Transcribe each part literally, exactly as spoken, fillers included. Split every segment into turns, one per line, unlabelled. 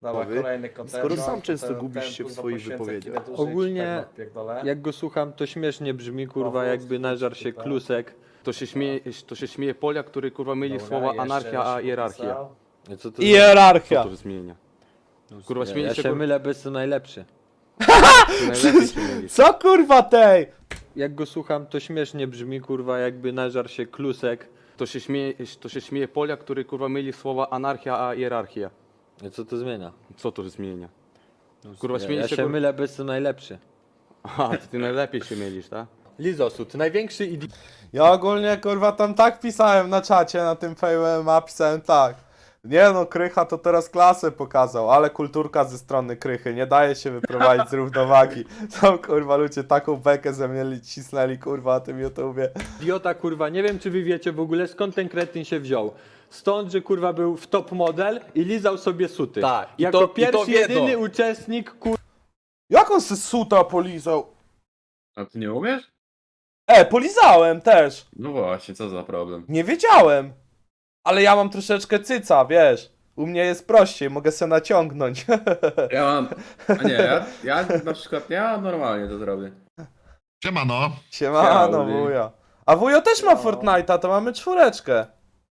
Dobra,
Nowy.
kolejny kontent.
Skoro
No,
sam
to
często
ten-
gubisz
ten,
się w
kurwa,
swoich
poświęcę
wypowiedziach.
chwilę dłużej,
Ogólnie,
tak odpierdolę.
jak go słucham, to śmiesznie brzmi, kurwa,
Powóz,
jakby nażar się
tutaj.
klusek.
To się śmieje, to się śmieje Polia, który kurwa myli
Dobra,
słowa
jeszcze
anarchia a
się
hierarchia.
popisał.
Co to za-
Co
Hierarchia.
to zmienia? Kurwa
Ja,
śmieje
ja
się,
się
kur...
mylę, bez to najlepszy.
ty najlepiej się mylisz.
Co kurwa tej?
Jak go słucham, to śmiesznie brzmi, kurwa, jakby nażar się klusek.
To się śmieje, to się śmieje Polia, który kurwa myli słowa anarchia a hierarchia.
Co to zmienia?
Co to zmienia? Kurwa
Ja,
śmieje
ja
się,
się
kur...
mylę, bez to najlepszy.
Aha, to ty najlepiej się mylisz, tak?
Lizosud, największy idiot.
Ja ogólnie kurwa tam tak pisałem na czacie, na tym Fame ma pisałem tak. Nie no, Krycha to teraz klasę pokazał, ale kulturka ze strony Krychy, nie daje się wyprowadzić z równowagi. Są kurwa ludzie taką bekę ze mnie cisnęli kurwa na tym YouTubie.
Idiota, kurwa, nie wiem czy wy wiecie w ogóle skąd ten kretyn się wziął. Stąd, że kurwa był w top model i lizał sobie suty.
Tak, i
Jako
to- i to
pierwszy,
wiedzą.
jedyny uczestnik, kurwa.
Jak on se suta polizał?
A ty nie umiesz?
E, polizałem też.
No właśnie, co za problem.
Nie wiedziałem. Ale ja mam troszeczkę cyca, wiesz. U mnie jest prościej, mogę se naciągnąć.
Ja mam... A nie, ja, ja na przykład, ja normalnie to zrobię.
Siemano.
Siemano,
Ciao,
wujo. A wujo też ma Fortnite'a, to mamy czwóreczkę.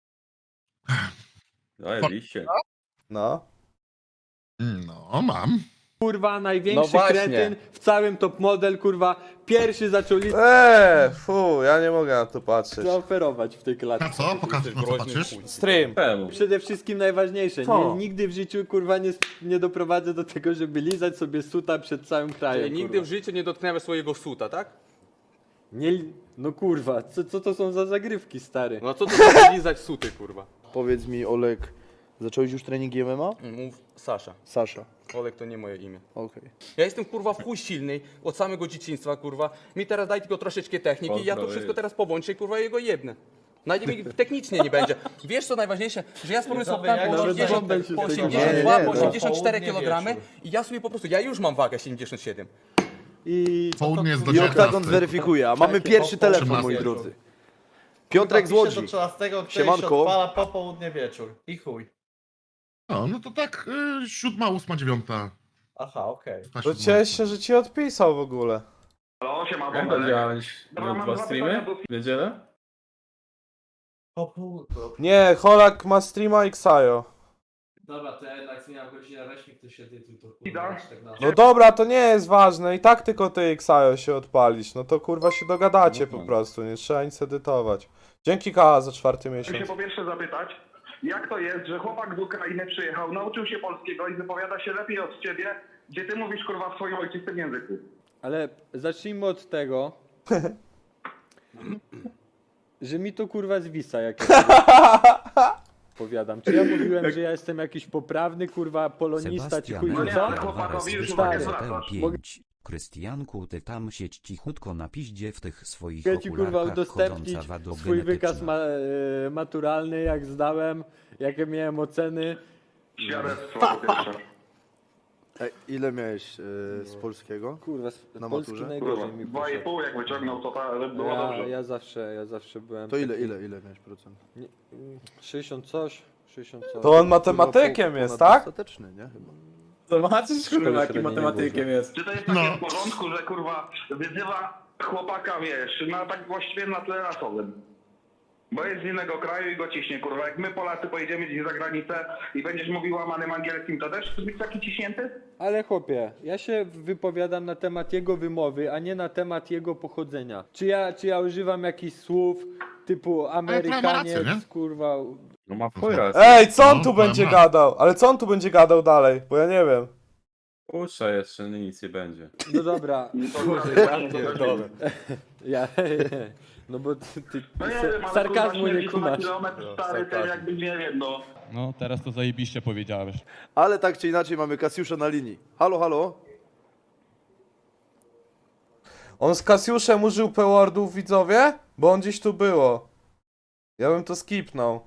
No jedziście.
No.
No, mam.
Kurwa, największy
No właśnie.
kretyn w całym top model, kurwa, pierwszy zaczął lizać,
Eee, fu, ja nie mogę na to patrzeć.
zaoferować w tej
Na
klatce.
co? Pokaż, na co patrzysz?
Stream.
Temu.
Przede wszystkim najważniejsze,
Co?
nie, nigdy w życiu, kurwa, nie, nie doprowadzę do tego, żeby lizać sobie suta przed całym krajem,
Czyli nigdy
kurwa.
w życiu nie dotknęły swojego suta, tak?
Nie, li- no kurwa, co, co to są za zagrywki, stary?
No co to za lizać suty, kurwa?
Powiedz mi, Olek, zacząłeś już trening M M A?
Mów Sasza.
Sasza.
Olek to nie moje imię.
Okej.
Ja jestem kurwa w chuj silny od samego dzieciństwa, kurwa. Mi teraz daj tylko troszeczkę techniki i ja to
Pozdro,
wszystko
jest.
teraz powłączę i kurwa jego jebnę. Najdzie mi technicznie nie będzie. Wiesz co najważniejsze? Że ja spróbuję sobie
jak
po
nawet
osiemdziesiąt,
bąbel się
po
z tego
osiemdziesiąt dwa,
nie,
po
no.
osiemdziesiąt cztery
Południe
kilogramy
wieczór.
i ja sobie po prostu, ja już mam wagę siedemdziesiąt siedem.
I
Południe jest do
I Oktagon
dziewiętnastej.
zweryfikuje, a mamy pierwszy telefon, moi drodzy. Piotrek z Łodzi.
do trzynastego, który
Siemanko.
się odpala po południe wieczór. I chuj.
No, no to tak y, siódma, ósma, dziewiąta.
Aha, okej.
Ta
To
siódma,
cieszę się,
ósma.
że ci odpisał w ogóle.
Jak to działać? Dwa streamy? W niedzielę?
Po południu.
Nie, Holak ma streama i Ksajo.
Dobra, to ja jednak zmieniam godzinę reśmik, to się tytuł to kurwa tak na...
No dobra, to nie jest ważne. I tak tylko ty i Ksajo się odpalisz. No to kurwa się dogadacie po prostu, nie trzeba nic edytować. Dzięki K za czwarty
Chciałem
miesiąc.
się po pierwsze zapytać, jak to jest, że chłopak z Ukrainy przyjechał, nauczył się polskiego i wypowiada się lepiej od ciebie, gdzie ty mówisz kurwa w swoim ojczystym języku.
Ale zacznijmy od tego, że mi to kurwa zwisa, jak ja powiadam. Czy ja mówiłem, że ja jestem jakiś poprawny, kurwa, polonista, ci chuj
No
wie
nie,
co?
ale chłopakowi już
Stary.
uwagę zwracasz.
pięć. Krystianku, ty tam siedź cichutko na piździe w tych swoich
Mogę ci kurwa
okularkach
udostępnić
chodząca
swój wykaz
wadogenetyczna.
ma, e, maturalny, jak zdałem, jakie miałem oceny.
Świadectwo po pierwsze.
Ej, ile miałeś y, z polskiego?
Kurwa, z
Na
polski
maturze?
najgorzej
Kurwa,
mi
dwa i
poszedł.
pół jak wyciągnął, to ta, było
Ja,
dobrze.
ja zawsze, ja zawsze byłem
To ile,
taki-
ile, ile miałeś procent?
Nie, mm, sześćdziesiąt coś, sześćdziesiąt coś.
To on matematykiem
Kurwa,
jest,
ponad
tak?
dostateczny, nie? Chyba.
Zobaczysz kurwa
średniej
jakim
nie
matematykiem jest.
Czy to jest takie
No.
w porządku, że kurwa wyzywa chłopaka, wiesz, na tak właściwie na tle rasowym? Bo jest z innego kraju i go ciśnie, kurwa. Jak my Polacy pojedziemy gdzieś za granicę i będziesz mówił łamanym angielskim, to też chcesz być taki ciśnięty?
Ale chłopie, ja się wypowiadam na temat jego wymowy, a nie na temat jego pochodzenia. Czy ja, czy ja używam jakichś słów typu
ma
Amerykaniec,
rację, nie?
kurwa...
No ma chuj raz.
Ej, co on tu
No,
będzie
ma.
gadał? Ale co on tu będzie gadał dalej? Bo ja nie wiem.
Puszcza jeszcze, nic nie będzie.
No dobra,
To ja pierdolę.
ja... No bo ty, ty,
No nie
ty
wiem, ale
sarkazmu
kurwa,
nie
śmierdzi to na
kumasz.
kilometr stary, ten jakby nie wiem, no.
No, teraz to zajebiście powiedziałeś.
Ale tak czy inaczej mamy Kasiusza na linii. Halo, halo?
On z Kasiuszem użył P-wordów, widzowie? Bo on gdzieś tu było. Ja bym to skipnął.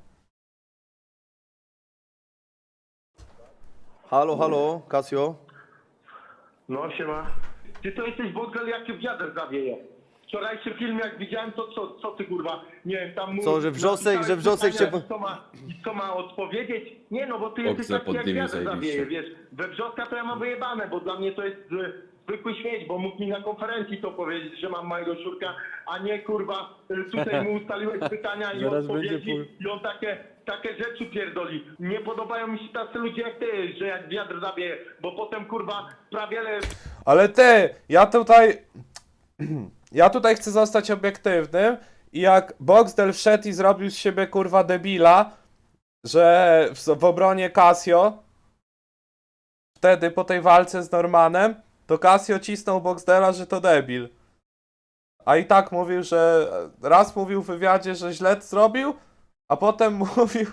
Halo, halo, Kasio?
No siema. Ty to jesteś w ogóle jak cię wiatr zawieje. wczorajszy film jak widziałem, to co, co ty kurwa, nie wiem, tam mu...
Co, że wrzosek, że wrzosek
pytania,
się...
Co ma, i co ma odpowiedzieć? Nie no, bo ty jesteś
Okce
taki jak
poddymił
wiatr
zajebiście.
zawieje, wiesz. We wrzoska to ja mam wyjebane, bo dla mnie to jest e, zwykły śmieć, bo mógł mi na konferencji to powiedzieć, że mam małego szurka, a nie kurwa, e, tutaj mu ustaliłeś pytania i
Zaraz będzie
odpowiedzi i on takie, takie rzeczy pierdoli. Nie podobają mi się tacy ludzie jak ty, że jak wiatr zawieje, bo potem kurwa prawie le...
Ale ty, ja tutaj... Ja tutaj chcę zostać obiektywnym i jak Boxdel wszedł i zrobił z siebie kurwa debila, że w, w obronie Casio wtedy po tej walce z Normanem, to Casio cisnął Boxdela, że to debil. A i tak mówił, że raz mówił w wywiadzie, że źle zrobił, a potem mówił,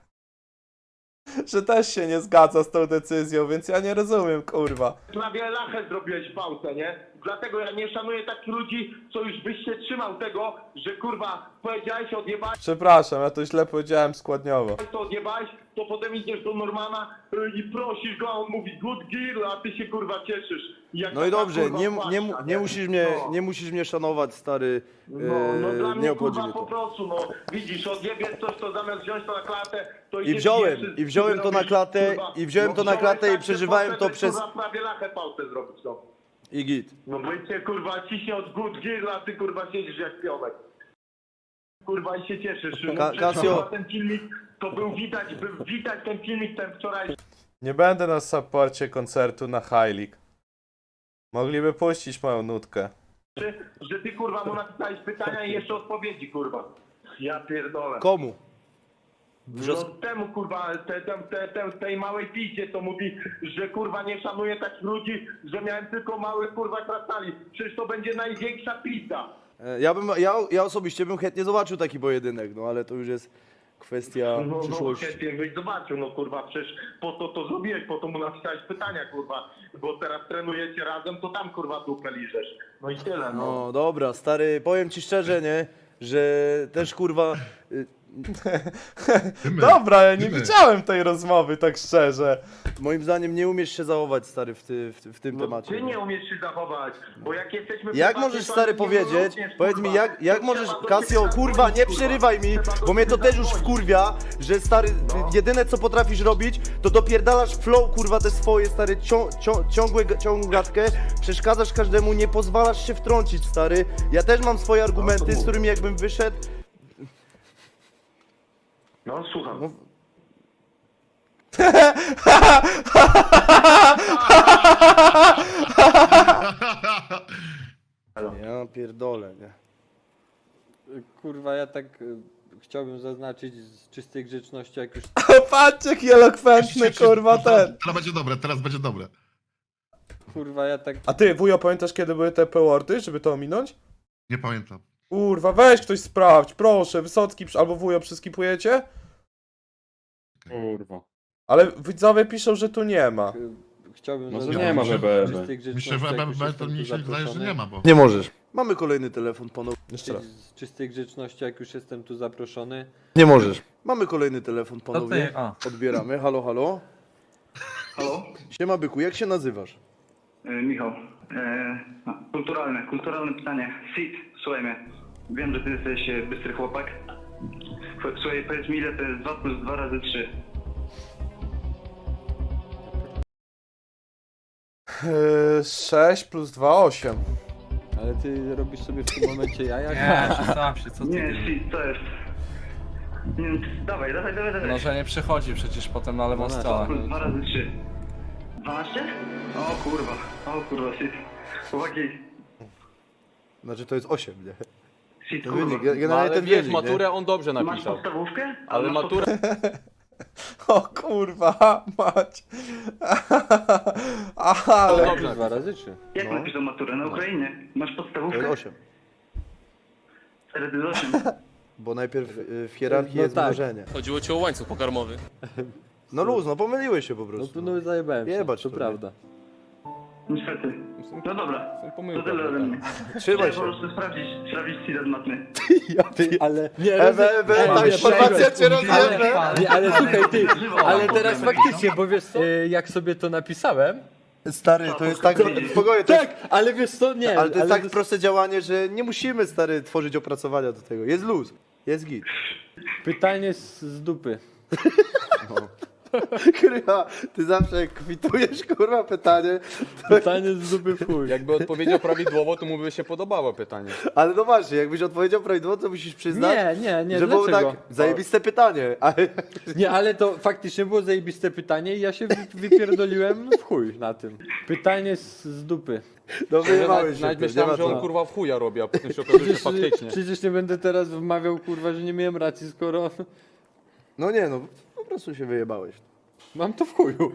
że też się nie zgadza z tą decyzją, więc ja nie rozumiem, kurwa.
Prawie lachę zrobiłeś w pałce, nie? Dlatego ja nie szanuję takich ludzi, co już byś się trzymał tego, że kurwa powiedziałeś, odjebałeś
Przepraszam, ja to źle powiedziałem składniowo.
to, odjebałeś, to potem idziesz do Normana y, i prosisz go, a on mówi good gear, a ty się kurwa cieszysz. Jak
No i
taka,
dobrze,
kurwa,
nie,
płaszcza,
nie, nie, musisz mnie,
No.
nie musisz mnie szanować, stary.
No, no dla
e,
mnie
nie obchodzi
kurwa
mnie
po
to.
prostu, no widzisz, odjebiesz coś, to zamiast wziąć to na klatę, to
I
idziesz
wziąłem,
jeszcze
i wziąłem to na
zrobisz,
klatę,
kurwa,
i wziąłem
no
to na
wziąłeś
klatę i
tak, że
przeżywałem
potem,
to przez...
Kurwa prawie lachę w pałce zrobić, no.
I git.
No bo cię kurwa ciśnie od good gear, a ty kurwa siedzisz jak pionek. Kurwa i się cieszysz. No,
Ka-
przecież,
Casio-
kurwa, ten filmik, to był widać, był widać ten filmik ten wczoraj.
Nie będę na supporcie koncertu na High League. Mogliby puścić moją nutkę.
Że ty kurwa mu napisałeś pytania i jeszcze odpowiedzi kurwa. Ja pierdolę.
Komu?
No temu kurwa, te, te, te, te, tej małej piździe to mówi, że kurwa nie szanuje takich ludzi, że miałem tylko małych kurwa krasnali. Przecież to będzie największa pizza.
E, Ja bym, ja, ja osobiście bym chętnie zobaczył taki pojedynek, no ale to już jest kwestia
No, no
przyszłości.
chętnie byś zobaczył, no kurwa, przecież po to to zrobiłeś, po to mu napisałeś pytania kurwa, bo teraz trenujecie razem, to tam kurwa dupę liżesz. No i tyle, no.
No dobra, stary, powiem ci szczerze, nie, że też kurwa... y,
Dymy,
Dobra, ja nie
dymy.
widziałem tej rozmowy, tak szczerze.
Moim zdaniem nie umiesz się zachować, stary, w, ty, w, w tym
No,
temacie.
ty nie umiesz się zachować, bo jak jesteśmy...
Jak
prywatni,
możesz,
to
stary,
nie
powiedzieć,
również,
powiedz mi,
kurwa.
jak, jak
To
możesz,
trzeba do
Casio,
ciebie
kurwa, nie
zadzwonić,
przerywaj mi,
kurwa. Trzeba
bo mnie to
do
też
ciebie
już
zadzwonić.
wkurwia, że, stary,
No.
jedyne co potrafisz robić, to dopierdalasz flow, kurwa, te swoje, stary, cią, cią, ciągłe, ciągłą gadkę, przeszkadzasz każdemu, nie pozwalasz się wtrącić, stary. Ja też mam swoje argumenty, z którymi jakbym wyszedł,
No, słucham.
no, ja pierdolę, nie.
Kurwa, ja tak y, chciałbym zaznaczyć z czystej grzeczności, jak już
Patrzcie, jaki elokwentny, kurwa, ten.
Teraz będzie dobre, teraz będzie dobre.
kurwa, ja tak
A ty, wujo, pamiętasz, kiedy były te P-wordy, żeby to ominąć?
Nie pamiętam.
Kurwa, weź ktoś sprawdź, proszę, Wysocki przy- albo wujo przyskipujecie?
Kurwa.
Ale widzowie piszą, że tu nie ma.
y, chciałbym
No to
zaznaczyć
nie ma,
z
że B B.
czystej grzeczności,
Myślę, że
jak
B
już
B
jestem
to
tu
mi się wydaje, że
zaproszony.
nie ma, bo...
Nie możesz. Mamy kolejny telefon ponownie.
Jeszcze raz.
Z czystej grzeczności, jak już jestem tu zaproszony.
Nie możesz. Mamy kolejny telefon ponownie.
ty, a.
Odbieramy. Halo, halo.
Halo?
Siema byku, jak się nazywasz?
E, Michał, e, kulturalne, kulturalne pytanie. Sid, słuchaj mnie. Wiem, że ty jesteś e, bystry chłopak. Ch- Słuchaj, powiedz mi, ile to jest dwa plus dwa razy trzy.
Yy, sześć plus dwa, osiem.
Ale ty robisz sobie w tym momencie jaja?
Nie, przestałem się, co ty?
Nie, Sid, to jest... Nie, wiem, dawaj, dawaj, dawaj, dawaj.
No, że nie przechodzi przecież potem na lewą
No,
stronę.
Plus dwa razy trzy. dwanaście? O kurwa, o kurwa, Sid. Chłopaki,
Znaczy to jest osiem, nie?
Sid,
To
kurwa.
wynik,
No,
generalnie
ale
ten
wiesz,
wynik,
maturę
nie?
on dobrze
Masz
napisał.
podstawówkę?
Ale
masz
maturę...
O kurwa, mać. Ale...
Ale dwa razy trzy.
Jak
No.
napisał maturę? Na Ukrainie. Masz
To
podstawówkę?
jest osiem.
cztery to jest osiem.
Bo najpierw y, w hierarchii
No
jest
tak.
mnożenie.
Chodziło ci o łańcuch pokarmowy.
No luz, no pomyliłeś się po
No
prostu.
to no zajebałem się,
Jebać
to
to,
prawda.
Niestety. No dobra. To
Pomyłka.
tyle ode mnie.
Trzymaj
Chciałem
się.
po prostu sprawdzić, sprawdzić Sida z matmy.
Ale...
Ewe, ewe, ta
ale-
informacja cię rozjebie.
Nie, ale słuchaj ty, ale
Ale
teraz faktycznie, bo wiesz co, y, jak sobie to napisałem,
Stary, to jest tak... Spokojnie, to jest,
Tak, ale wiesz co, nie.
ale to jest tak
to-
proste działanie, że nie musimy, stary, tworzyć opracowania do tego. Jest luz, jest git.
Pytanie z, z dupy.
Krycha, ty zawsze jak kwitujesz, kurwa, pytanie,
Pytanie z dupy w chuj.
Jakby odpowiedział prawidłowo, to mu by się podobało pytanie.
ale no właśnie, jakbyś odpowiedział prawidłowo, to musisz przyznać,
Nie, nie, nie,
że było
dlaczego?
tak zajebiste pytanie, ale...
Nie, ale to faktycznie było zajebiste pytanie i ja się wy- wypierdoliłem w chuj na tym. Pytanie z, z dupy.
No wyjebałeś
Nawet
się,
nawet
ty, nie
myślałem,
ma
że on
co.
kurwa w chuja robi, a potem się okazuje, że
Przecież,
faktycznie.
przecież nie będę teraz wmawiał, kurwa, że nie miałem racji, skoro
No nie, no po prostu się wyjebałeś.
mam to w chuju.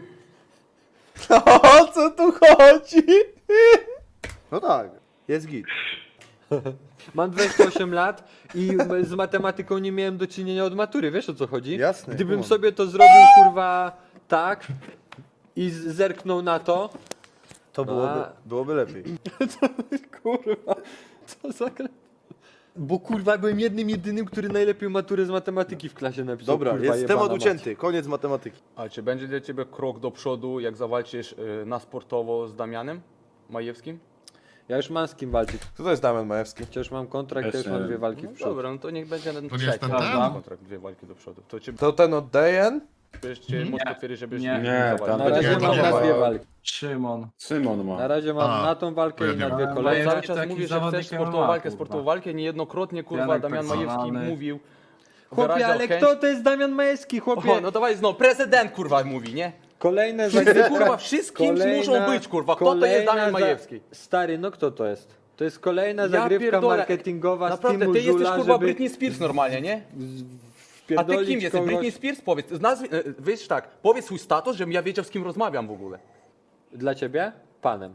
O co tu chodzi?
No tak, jest git.
Mam dwadzieścia osiem lat i m- z matematyką nie miałem do czynienia od matury, wiesz o co chodzi?
Jasne,
Gdybym
kumam.
sobie to zrobił, kurwa, tak i z- zerknął na to,
To byłoby,
A.
byłoby lepiej.
kurwa, co za gra... Bo kurwa byłem jednym, jedynym, który najlepiej maturę z matematyki w klasie napisał.
Dobra,
kurwa,
jest
jebana
temat
mać.
ucięty, koniec matematyki.
A czy będzie dla ciebie krok do przodu, jak zawalczysz y, na sportowo z Damianem Majewskim?
Ja już mam z kim walczyć.
Co to jest Damian Majewski?
Chociaż mam kontrakt, to już
Jeszcze-
mam dwie walki w
No
przodu.
dobra, no to niech będzie ten
To nie jest
trzeci
ten ten?
kontrakt, dwie walki do przodu. To cię
To ten od Dejen?
Czy możesz potwierdzić, żebyś
Nie.
Nie,
zawalczył?
tam
Na razie
Nie, to
mam
nie
na
ma.
dwie walki.
Szymon.
Szymon
Na
ma.
razie mam
A,
na tą walkę
to
i
ja
na
nie
dwie
mam.
kolejne.
Cały
Majewski
czas
taki
mówisz, że chcesz
zawodnik
sportową
M M A,
walkę,
kurwa.
sportową walkę. Niejednokrotnie, kurwa,
Janek
Damian
tak
Majewski
zwany.
mówił.
Chłopie,
wyrażał
ale
chęć-
kto to jest Damian Majewski, chłopie?
O, no dawaj znowu, prezydent kurwa mówi, nie?
Kolejne
Wszyscy
zagrywka-
kurwa, wszystkim muszą być kurwa. Kto to jest
kolejna
Damian
za-
Majewski?
Stary, no kto to jest? To jest kolejna
Ja
zagrywka
pierdolę.
marketingowa z
Naprawdę,
Timu
ty jesteś
Żula,
kurwa
żeby
Britney Spears normalnie, nie? A ty
wpierdolić
kim jesteś?
kogoś...
Britney Spears? Powiedz, nazwij, e, wiesz tak, powiedz swój status, żebym ja wiedział z kim rozmawiam w ogóle.
Dla ciebie? Panem.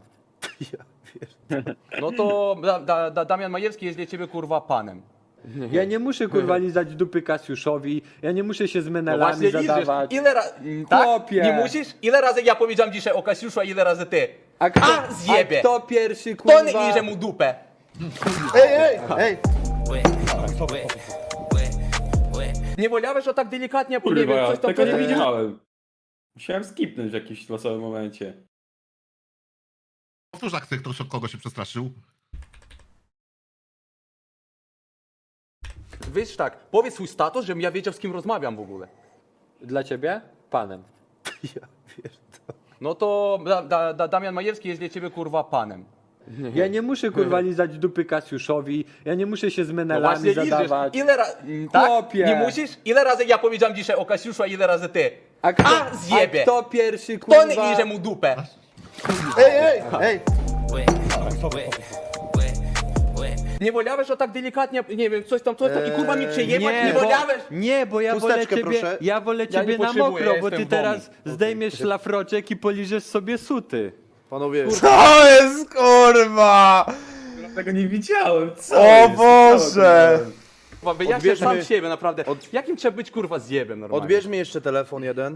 No to da, da, da, Damian Majewski jest dla ciebie kurwa panem.
Ja nie muszę kurwa lizać dupy Kasiuszowi, ja nie muszę się z
No
menelami
właśnie liczysz.
zadawać.
Ile razy, tak?
Chłopie.
Nie musisz? Ile razy ja powiedziałem dzisiaj o Kasiuszu, a ile razy ty?
A kto,
A, zjebie.
a kto pierwszy
To
kurwa...
nie iże mu dupę.
Ej, ej, ej!
Nie wolałeś o tak delikatnie, bo nie
Kurwa,
wiem,
ja
coś tam...
tego nie
coś-
widziałem. Musiałem skipnąć w jakimś losowym momencie.
Powtórz akcję, kto kogo się przestraszył.
Wiesz tak, powiedz swój status, żebym ja wiedział z kim rozmawiam w ogóle.
Dla ciebie? Panem.
No to da, da, da, Damian Majewski jest dla ciebie kurwa panem.
Ja nie muszę kurwa lizać dupy Kasiuszowi, ja nie muszę się z
No
menelami
właśnie liczysz.
zadawać.
Ile razy... Tak?
Chłopie.
Nie musisz? Ile razy ja powiedziałem dzisiaj o Kasiuszu, a ile razy ty?
A kto,
A, zjebie.
a kto pierwszy
To
kurwa...
nie iże mu dupę.
Ej, ej, ej!
Nie wolałeś o tak delikatnie, nie wiem, coś tam, coś tam i kurwa mi przejebać, nie,
bo,
wolałeś?
nie, bo ja wolę
Chusteczkę,
ciebie,
proszę.
ja wolę
Ja
ciebie
nie
na
potrzebuję,
mokro,
ja
bo
jestem
ty
w domu.
teraz zdejmiesz szlafroczek i poliżesz sobie suty.
Panowie,
Co jest kurwa?
Tego nie widziałem, co
O
jest?
Boże!
Kurwa, wyjaśnię
Odbierzmy-
sam siebie, naprawdę. Jakim trzeba być kurwa zjebem normalnie?
odbierz mi jeszcze telefon jeden.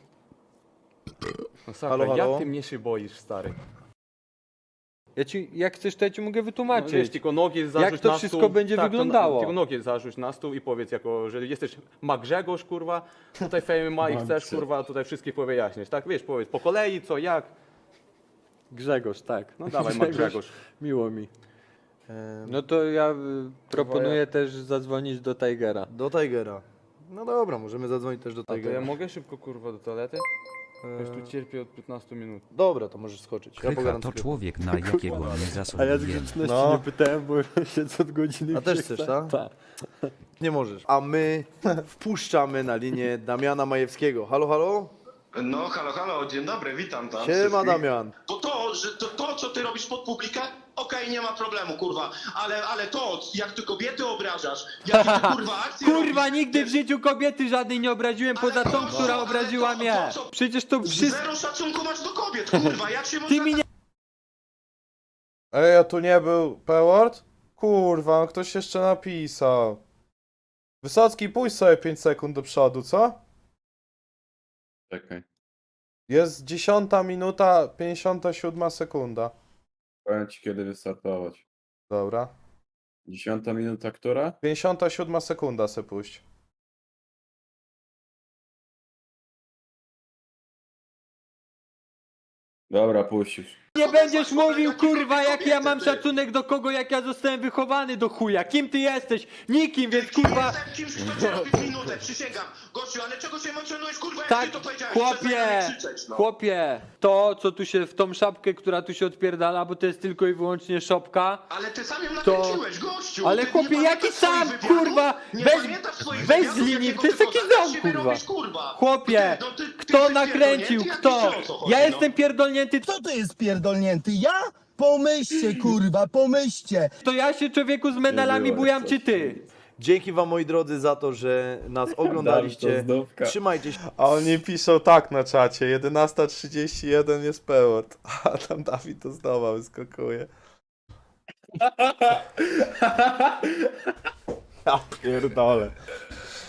No, sakra,
Halo, halo?
Jak ty mnie się boisz, stary?
Ja ci, jak chcesz, to ja ci mogę
No,
wytłumaczyć.
wiesz, tylko nogi zarzuć
Jak to
na
wszystko
stół.
będzie
tak, to
wyglądało?
Na, tylko nogi zarzuć na stół i powiedz, jako, że jesteś ma Grzegorz, kurwa, tutaj Fame ma i chcesz, kurwa, tutaj wszystkich powyjaśnić, tak? Wiesz, powiedz po kolei, co, jak.
Grzegorz, tak.
No dawaj, ma Grzegorz.
Miło mi. No to ja y, proponuję też zadzwonić do Tigera.
Do Tigera. No dobra, możemy zadzwonić też do
A to ja
Tigera.
mogę szybko, kurwa, do toalety? Już tu cierpię od piętnastu minut.
Dobra, to możesz skoczyć. Ja
Krycha
pogadam
to
z Krychą.
człowiek, na jakiego nie
A ja z
zasługuje.
grzeczności
No.
nie pytałem, bo siedzę od godziny.
A też
w
chcesz,
Krzyżach.
tak?
Tak.
Nie możesz. A my wpuszczamy na linię Damiana Majewskiego. Halo, halo?
No, halo, halo, dzień dobry, witam tam.
Siema Damian.
To to, że to, to co ty robisz pod publikę, okej, nie ma problemu, kurwa, ale, ale to, jak ty kobiety obrażasz, jakie ty, kurwa, akcje
Kurwa,
robisz,
nigdy w życiu kobiety żadnej nie obraziłem
Ale
poza
to
tą,
co?
która
Ale
obraziła
to-
mnie.
to co?
Przecież to wszystko...
Zero szacunku masz do kobiet, kurwa, jak się
Ty
można...
mi nie...
Ej, a tu nie był P-word? Kurwa, no ktoś jeszcze napisał. Wysocki, pójdź sobie pięć sekund do przodu, co?
Czekaj.
Jest dziesiąta minuta, pięćdziesiąta siódma sekunda.
Powiem ci kiedy wystartować.
Dobra.
Dziesiąta minuta, która?
pięćdziesiąta siódma sekunda se puść.
Dobra, puść już.
Nie będziesz mówił, kurwa, jak ja mam szacunek do kogo, jak ja zostałem wychowany do chuja. Kim ty jesteś? Nikim, więc kurwa...
Kimś, kto cię robi minutę, przysięgam. Gościu, ale czego się emocjonujesz, kurwa, jak
Tak,
ty to powiedziałeś?
chłopie,
Przestań na mnie krzyczeć, no.
chłopie, to co tu się, w tą szapkę, która tu się odpierdala, bo to jest tylko i wyłącznie szopka.
Ale ty sam ją
To-
nakręciłeś, gościu.
Ale
ty
chłopie,
nie
jaki
pamiętasz
sam,
swoich wywiadów?
kurwa?
Nie
Weź-
pamiętasz swoich
weź
wywiadów,
z linii,
jakiego
to jest
tylko
taki
zakaz
dom,
siebie
kurwa.
robisz, kurwa.
Chłopie,
Ty, no ty- ty
kto
jesteś
nakręcił,
pierdolnięty,
kto?
ja wiem, o co chodzi,
Ja
no.
jestem pierdolnięty,
Co to jest pierdolnięty? Ja? Pomyślcie, kurwa, pomyślcie.
to ja się człowieku z medalami bujam, czy ty?
Dzięki wam moi drodzy za to, że nas oglądaliście.
zdówka.
Trzymajcie się.
A oni piszą tak na czacie, jedenasta trzydzieści jeden jest pełot. A tam Dawid to znowu wyskakuje. Ja pierdolę.